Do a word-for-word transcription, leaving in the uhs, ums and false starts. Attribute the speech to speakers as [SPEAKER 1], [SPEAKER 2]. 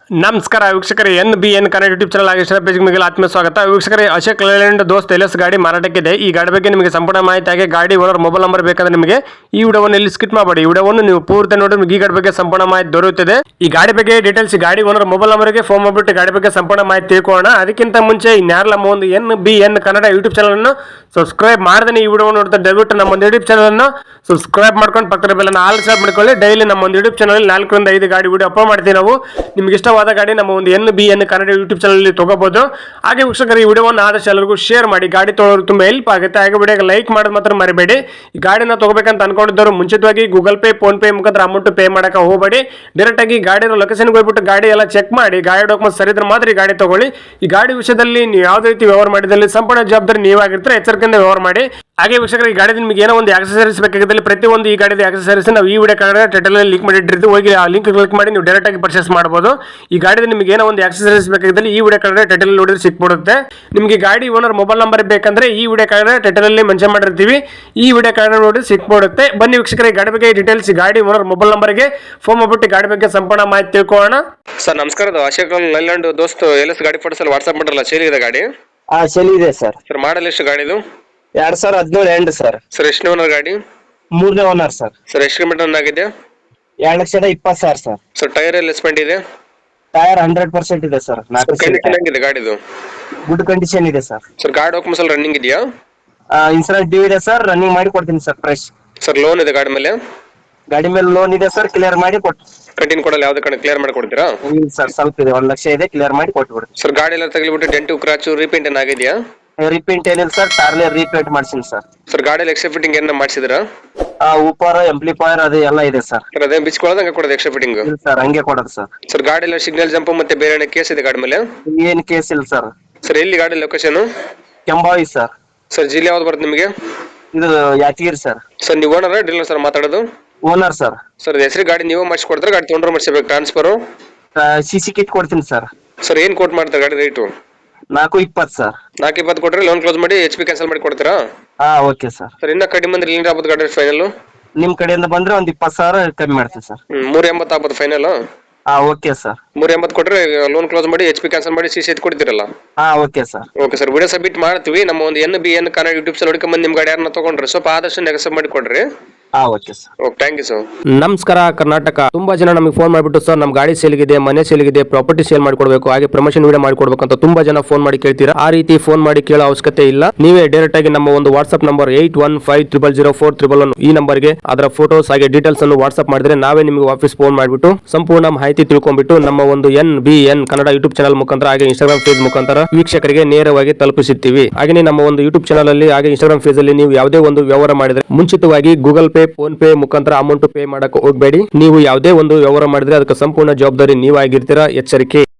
[SPEAKER 1] ನಮಸ್ಕಾರ ವೀಕ್ಷಕರೇ, N B N Kannada YouTube channel ಆಗಿ ಇಷ್ಟ ಪೇಜ್ಗೆ ನಿಮಗೆ ಆತ್ಮೀಯ ಸ್ವಾಗತ. ವೀಕ್ಷಕರೇ, ಅಶೋಕ್ ಲೇಲ್ಯಾಂಡ್ ದೋಸ್ತ್ ಎಲ್ ಎಸ್ ಗಾಡಿ ಮಾರಾಟಕ್ಕಿದೆ. ಈ ಗಾಡಿ ಬಗ್ಗೆ ನಿಮಗೆ ಸಂಪೂರ್ಣ ಮಾಹಿತಿ ಹಾಗೆ ಗಾಡಿ ಓನರ್ ಮೊಬೈಲ್ ನಂಬರ್ ಬೇಕಂದ್ರೆ ನಿಮಗೆ ಈ ವಿಡಿಯೋವನ್ನು ಇಲ್ಲಿ ಸ್ಕಿಪ್ ಮಾಡಬೇಡಿ. ಈ ವಿಡಿಯೋವನ್ನು ನೀವು ಪೂರ್ತಿ ನೋಡಿ ನಿಮಗೆ ಈ ಗಾಡಿ ಬಗ್ಗೆ ಸಂಪೂರ್ಣ ಮಾಹಿತಿ ದೊರೆಯುತ್ತದೆ. ಈ ಗಾಡಿ ಬಗ್ಗೆ ಡೀಟೇಲ್ಸ್ ಗಾಡಿ ಓನರ್ ಮೊಬೈಲ್ ನಂಬರ್ಗೆ ಫೋನ್ ಮಾಡಿಬಿಟ್ಟು ಗಾಡಿ ಬಗ್ಗೆ ಸಂಪೂರ್ಣ ಮಾಹಿತಿ ತಿಳ್ಕೊಳ್ಳೋಣ. ಅದಕ್ಕಿಂತ ಮುಂಚೆ ಇನ್ಯಾರಲ್ಲ ಒಂದು N B N Kannada YouTube channel ಅನ್ನು ಸಬ್ಸ್ಕ್ರೈಬ್ ಮಾಡದೇ ಈ ವಿಡಿಯೋ ನೋಡ್ತಾ ದಯವಿಟ್ಟು ನಮ್ಮ ಒಂದು ಯೂಟ್ಯೂಬ್ ಚಾನಲ್ ಅನ್ನು ಸಬ್ಸ್ಕ್ರೈಬ್ ಮಾಡ್ಕೊಂಡು ಪಕ್ಕದ ಬೆಲ್ಲನ್ನು ಆಲ್ ಸಬ್ ಮಾಡ್ಕೊಳ್ಳಿ. ಡೈಲಿ ನಮ್ಮ ಒಂದು ಯೂಟ್ಯೂಬ್ ಚಾನಲ್ ನಾಲ್ಕರಿಂದ ಐದು ಗಾಡಿ ವಿಡಿಯೋ ಅಪ್ಲೋಡ್ ಮಾಡ್ತೀವಿ. ನಾವು ನಿಮ್ಗೆ ಇಷ್ಟವಾದ ಗಾಡಿ ನಮ್ಮ ಒಂದು N B N Kannada YouTube channel ತಗೋಬಹುದು. ಹಾಗೆ ವೀಕ್ಷಕರು, ಈ ವಿಡಿಯೋವನ್ನು ಆದಷ್ಟು ಎಲ್ಲರಿಗೂ ಶೇರ್ ಮಾಡಿ. ಗಾಡಿ ತೊಗೊಳ್ಳೋರು ತುಂಬಾ ಹೆಲ್ಪ್ ಆಗುತ್ತೆ. ಹಾಗೆ ವಿಡಿಯೋಗೆ ಲೈಕ್ ಮಾಡೋದು ಮಾತ್ರ ಮರಿಬೇಡಿ. ಈ ಗಾಡಿನ ತಗೋಬೇಕಂತ ಅನ್ಕೊಂಡಿದ್ದವರು ಮುಂಚಿತವಾಗಿ ಗೂಗಲ್ ಪೇ ಫೋನ್ ಪೇ ಮುಖಾಂತರ ಅಮೌಂಟ್ ಪೇ ಮಾಡಕ್ಕೆ ಹೋಗಬೇಡಿ. ಡೈರೆಕ್ಟ್ ಆಗಿ ಗಾಡಿ ಲೊಕೇಶನ್ಗೆ ಹೋಗ್ಬಿಟ್ಟು ಗಾಡಿ ಎಲ್ಲ ಚೆಕ್ ಮಾಡಿ ಗಾಡಿ ಡಾಕ್ಯುಮೆಂಟ್ ಸರಿ ಇದ್ರೆ ಮಾತ್ರ ಈ ಗಾಡಿ ತಗೊಳ್ಳಿ. ಈ ಗಾಡಿ ವಿಷಯದಲ್ಲಿ ನೀವು ಯಾವುದೇ ರೀತಿ ವ್ಯವಹಾರ ಮಾಡಿದಲ್ಲಿ ಸಂಪೂರ್ಣ ಜವಾಬ್ದಾರಿ ನೀವಾಗಿರ್ತಾರೆ. ಎಚ್ಚರಿಕೆಯಿಂದ ವ್ಯವಹಾರ ಮಾಡಿ. ಹಾಗೆ ವೀಕ್ಷಕರು, ಈ ಗಾಡಿ ನಿಮಗೆ ಏನೋ ಒಂದು ಆಕ್ಸೆಸರೀಸ್ ಬೇಕಾಗಿದ್ದಲ್ಲಿ ಪ್ರತಿಯೊಂದು ಈ ಗಾಡಿದ ಆಕ್ಸೆಸರೀಸ್ ನಾವು ಈ ವಿಡಿಯೋ ಕಾರ್ಡ್ ಟೈಟಲ್ ಲಿಂಕ್ ಮಾಡಿಟ್ಟಿರ್ತೀವಿ. ಹೋಗಿ ಆ ಲಿಂಕ್ ಕ್ಲಿಕ್ ಮಾಡಿ ನೀವು ಡೈರೆಕ್ಟ್ ಆಗಿ ಪರ್ಚೇಸ್ ಮಾಡಬಹುದು. ಈ ಗಾಡಿದ ನಿಮಗೆ ಏನೋ ಒಂದು ಆಕ್ಸೆಸರೀಸ್ ಬೇಕಾಗಿದ್ದಲ್ಲಿ ಈ ವಿಡಿಯೋ ಕಾರ್ಡ್ ಟೈಟಲ್ ನೋಡಿದ್ರೆ ಸಿಕ್ಬಿಡುತ್ತೆ. ನಿಮಗೆ ಗಾಡಿ ಓನರ್ ಮೊಬೈಲ್ ನಂಬರ್ ಬೇಕಂದ್ರೆ ಈ ವಿಡಿಯೋ ಕಾರ್ಡ್ ಟೈಟಲ್ ಅಲ್ಲಿ ಮೆನ್ಷನ್ ಮಾಡಿರ್ತೀವಿ. ಈ ವಿಡಿಯೋ ಕಾರ್ಡ್ ನೋಡಿ ಸಿಕ್ಬಿಡುತ್ತೆ. ಬನ್ನಿ ವೀಕ್ಷಕರ, ಗಾಡಿ ಬಗ್ಗೆ ಡೀಟೇಲ್ಸ್ ಗಾಡಿ ಓನರ್ ಮೊಬೈಲ್ ನಂಬರ್ಗೆ ಫೋನ್ ಮಾಡ್ಬಿಟ್ಟು ಗಾಡಿ ಬಗ್ಗೆ ಸಂಪೂರ್ಣ ಮಾಹಿತಿ ತಿಳ್ಕೊಳ್ಳೋಣ. ಸರ್ ನಮಸ್ಕಾರ, ಅಶೋಕ್ ಲೇಲ್ಯಾಂಡ್ ದೋಸ್ತ್ ಎಲ್ ಎಸ್ ಗಾಡಿ ಫೋಟೋಸ್ ವಾಟ್ಸ್ಆಪ್ ಮಾಡಿರಲ್ಲ, ಸೇಲ್ ಇದೆ ಗಾಡಿ?
[SPEAKER 2] ಹಾ, ಸೇಲ್ ಇದೆ ಸರ್.
[SPEAKER 1] ಸರ್ ಮಾಡಲ್ ಎಷ್ಟು ಗಾಡಿದು?
[SPEAKER 2] ಎರಡ್ ಸಾವಿರ ಹದಿನೇಳು ಎಂಡ್ ಸರ್.
[SPEAKER 1] ಸರ್ ಎಷ್ಟು ಓನರ್ ಗಾಡಿ?
[SPEAKER 2] ಮೂರನೇ ಓನರ್ ಸರ್.
[SPEAKER 1] ಸರ್ ಎಷ್ಟು ಕಿಲೋಮೀಟರ್ ಆಗಿದೆ?
[SPEAKER 2] ಎರಡ್ ಲಕ್ಷದ ಇಪ್ಪತ್ತು ಸಾವಿರ ಸರ್.
[SPEAKER 1] ಸರ್ ಟೈರ್ ಎಲ್ಲ ಎಸ್ಪೆಂಟ್ ಇದೆ?
[SPEAKER 2] ಟೈರ್ ಹಂಡ್ರೆಡ್ ಪರ್ಸೆಂಟ್ ಇದೆ ಸರ್.
[SPEAKER 1] ಕಂಡೀಷನ್ ಇದೆ ಗಾಡಿದು?
[SPEAKER 2] ಗುಡ್ ಕಂಡೀಷನ್ ಇದೆ ಸರ್.
[SPEAKER 1] ಸರ್ ಗಾಡಿ ಡಾಕ್ಯುಮೆಂಟ್ಸ್ ಎಲ್ಲ ರನ್ನಿಂಗ್ ಇದೆಯಾ?
[SPEAKER 2] ಇನ್ಸೂರೆನ್ಸ್ ಡ್ಯೂ ಇದೆ ಸರ್. ರನ್ನಿಂಗ್ ಮಾಡಿ ಕೊಡ್ತೀನಿ ಸರ್. ಫ್ರೆಶ್.
[SPEAKER 1] ಸರ್ ಲೋನ್ ಇದೆ ಗಾಡಿ ಮೇಲೆ?
[SPEAKER 2] ಗಾಡಿ ಮೇಲೆ ಲೋನ್ ಇದೆ ಸರ್. ಕ್ಲಿಯರ್ ಮಾಡಿ ಕೊಟ್ಟು
[SPEAKER 1] ಕಂಟಿನ್ಯೂ ಕೊಡಲ್ಲ, ಯಾವ್ದು ಕಡೆ ಕ್ಲಿಯರ್ ಮಾಡಿ ಕೊಡ್ತೀರಾ?
[SPEAKER 2] ಇಲ್ಲ ಸರ್, ಸ್ವಲ್ಪ ಇದೆ, ಒಂದ್ ಲಕ್ಷ ಇದೆ. ಕ್ಲಿಯರ್ ಮಾಡಿ ಕೊಟ್ಬಿಡ್ತೀನಿ
[SPEAKER 1] ಸರ್. ಗಾಡಿ ಎಲ್ಲ ತಗಲಿಬಿಟ್ಟು ಡೆಂಟು ಕ್ರಾಚು ರೀಪೇಂಟ್ ಏನ್ ಆಗಿದೆಯಾ?
[SPEAKER 2] ರಿಪೇಂಟ್ ಏನಿಲ್ಲ ಸರ್. ಟಾರ್ಲೆ ರೀಪೇಂಟ್ ಮಾಡ್ತೀನಿ ಸರ್.
[SPEAKER 1] ಸರ್ ಗಾಡಿಯಲ್ಲಿ ಎಕ್ಸ್ಟ್ರಾ ಫಿಟ್ಟಿಂಗ್ ಏನ ಮಾಡಿಸಿದ್ರಾ?
[SPEAKER 2] ಉಪರ್ ಎಂಪ್ಲಿಫೈರ್ ಅದು ಎಲ್ಲ ಇದೆ ಸರ್.
[SPEAKER 1] ಸರ್ ಅದೇ ಬಿಚ್ಕೊಳ್ಳೋದು ಹಂಗೆ ಕೊಡೋದು ಎಕ್ಸ್ಟ್ರಾ ಫಿಟ್ಟಿಂಗ್?
[SPEAKER 2] ಇಲ್ಲ ಸರ್, ಹಂಗೆ ಕೊಡೋದು ಸರ್.
[SPEAKER 1] ಸರ್ ಗಾಡಿ ಎಲ್ಲ ಸಿಗ್ನಲ್ ಜಂಪ್ ಮತ್ತೆ ಬೇರೆ ಏನೋ ಕೇಸ್ ಇದೆ ಗಾಡಿ ಮೇಲೆ?
[SPEAKER 2] ಏನ್ ಕೇಸ್ ಇಲ್ಲ ಸರ್.
[SPEAKER 1] ಸರ್ ಎಲ್ಲಿ ಗಾಡಿ ಲೊಕೇಶನ್?
[SPEAKER 2] ಕೆಂಬಾವಿ ಸರ್.
[SPEAKER 1] ಸರ್ ಜಿಲ್ಲೆ ಯಾವ್ದು ಬರುತ್ತೆ ನಿಮಗೆ?
[SPEAKER 2] ಇದು ಯಾದಗಿರಿ ಸರ್.
[SPEAKER 1] ಸರ್ ನೀವು ಓನರ್ ಡೀಲರ್ ಸರ್ ಮಾತಾಡೋದು?
[SPEAKER 2] Owner sir.
[SPEAKER 1] ಸರ್ ಹೆಸರು ಗಾಡಿ ನೀವು ಮಾಡಿಸ್ಕೊಡ್ತಾರೆ, ಗಾಡಿ ತೊಗೊಂಡ್ರೆ ಮಾಡಿಸ್ಬೇಕು ಟ್ರಾನ್ಸ್ಫರ್?
[SPEAKER 2] ಸಿ ಸಿ ಕಿಟ್ ಕೊಡ್ತೀನಿ ಸರ್.
[SPEAKER 1] ಸರ್ ಏನ್ ಕೋಟ್ ಮಾಡ್ತಾರೆ ಗಾಡಿ ರೇಟು?
[SPEAKER 2] ನಾಲ್ಕು ಇಪ್ಪತ್ತು ಸರ್.
[SPEAKER 1] ನಾಲ್ಕು ಇಪ್ಪತ್ತು ಕೊಟ್ಟರೆ ಲೋನ್ ಕ್ಲೋಸ್ ಮಾಡಿ ಎಚ್ ಪಿ ಕ್ಯಾನ್ಸಲ್ ಮಾಡಿ ಕೊಡ್ತೀರಾ?
[SPEAKER 2] ಹಾ, ಓಕೆ ಸರ್.
[SPEAKER 1] ಸರ್ ಇನ್ನ ಕಡಿಮೆ ಬಂದ್ರೆ ಇಲ್ಲಿ ಆಗ್ಬೋದು ಗಾಡಿ ಫೈನಲ್?
[SPEAKER 2] ನಿಮ್ ಕಡೆಯಿಂದ ಬಂದ್ರೆ ಒಂದ್ ಇಪ್ಪತ್ತು ಸಾವಿರ ಕಮ್ಮಿ ಮಾಡ್ತೀನಿ ಸರ್.
[SPEAKER 1] ಮೂರ್ ಎಂಬತ್ತು ಆಗ್ಬೋದು ಫೈನಲ್?
[SPEAKER 2] ಹಾ, ಓಕೆ ಸರ್.
[SPEAKER 1] ಮೂರ್ ಎಂಬತ್ತು ಕೊಟ್ರೆ ಲೋನ್ ಕ್ಲೋಸ್ ಮಾಡಿ ಎಚ್ ಪಿ ಕ್ಯಾನ್ಸಲ್ ಮಾಡಿ ಸಿ ಸಿ ಎತ್ ಕೊಡ್ತೀರಲ್ಲ?
[SPEAKER 2] ಹಾ, okay sir.
[SPEAKER 1] Okay sir, video submit ಮಾಡ್ತೀವಿ. ನಮ್ಮ ಒಂದು N B N Kannada YouTube channel ಹುಡುಕೊಂಡ್ ನಿಮ್ ಗಾಡಿ ಯಾರನ್ನ ತಗೊಂಡ್ರೆ ಸ್ವಲ್ಪ ಆದಷ್ಟು ನೆಗೆಸಬ್ ಮಾಡಿ ಕೊಡ್ರಿ.
[SPEAKER 2] ಹಾ, okay sir.
[SPEAKER 1] Okay, thank you sir.
[SPEAKER 3] ನಮಸ್ಕಾರ ಕರ್ನಾಟಕ. ತುಂಬಾ ಜನ ನಮಗೆ ಫೋನ್ ಮಾಡಿಬಿಟ್ಟು ಸರ್ ನಮ್ಮ ಗಾಡಿ ಸೇಲ್ಗಿದೆ, ಮನೆ ಸೇಲ್ಗಿದೆ, ಪ್ರಾಪರ್ಟಿ ಸೇಲ್ ಮಾಡ್ಕೊಡ್ಬೇಕು, ಹಾಗೆ ಪ್ರಮೋಷನ್ ವಿಡಿಯೋ ಮಾಡ್ಕೊಡ್ಬೇಕು ಅಂತ ತುಂಬಾ ಜನ ಫೋನ್ ಮಾಡಿ ಕೇಳ್ತೀರಾ. ಆ ರೀತಿ ಫೋನ್ ಮಾಡಿ ಕೇಳೋ ಅವಶ್ಯಕತೆ ಇಲ್ಲ. ನೀವೇ ಡೈರೆಕ್ಟ್ ಆಗಿ ನಮ್ಮ ಒಂದು WhatsApp number eight one five triple zero four triple one ಈ ನಂಬರ್ಗೆ ಅದರ ಫೋಟೋಸ್ ಹಾಗೆ ಡೀಟೇಲ್ಸ್ ಅನ್ನು ವಾಟ್ಸ್ಆಪ್ ಮಾಡಿದ್ರೆ ನಾವೇ ನಿಮಗೆ ವಾಪಸ್ ಫೋನ್ ಮಾಡಿಬಿಟ್ಟು ಸಂಪೂರ್ಣ ಮಾಹಿತಿ ತಿಳ್ಕೊಂಡ್ಬಿಟ್ಟು ನಮ್ಮ ಒಂದು N B N Kannada YouTube channel ಮುಖಾಂತರ ಹಾಗೆ ಇನ್ಸ್ಟಾಗ್ರಾಮ್ ಪೇಜ್ ಮುಖಾಂತರ ವೀಕ್ಷಕರಿಗೆ ನೇರವಾಗಿ ತಲುಪಿಸುತ್ತೀವಿ. ಹಾಗೆ ನಮ್ಮ ಒಂದು ಯೂಟ್ಯೂಬ್ ಚಾನಲ್ ಅಲ್ಲಿ ಹಾಗೆ ಇನ್ಸ್ಟಾಗ್ರಾಮ್ ಪೇಜ್ ಅಲ್ಲಿ ನೀವು ಯಾವುದೇ ಒಂದು ವ್ಯವಹಾರ ಮಾಡಿದ್ರೆ ಮುಂಚಿತವಾಗಿ ಗೂಗಲ್ ಪೇ ಫೋನ್ ಪೇ ಮುಖಾಂತರ ಅಮೌಂಟ್ ಪೇ ಮಾಡಕ್ಕೆ ಹೋಗಬೇಡಿ. ನೀವು ಯಾವುದೇ ಒಂದು ವ್ಯವಹಾರ ಮಾಡಿದ್ರೆ ಅದಕ್ಕೆ ಸಂಪೂರ್ಣ ಜವಾಬ್ದಾರಿ ನೀವಾಗಿರ್ತೀರಾ. ಎಚ್ಚರಿಕೆ.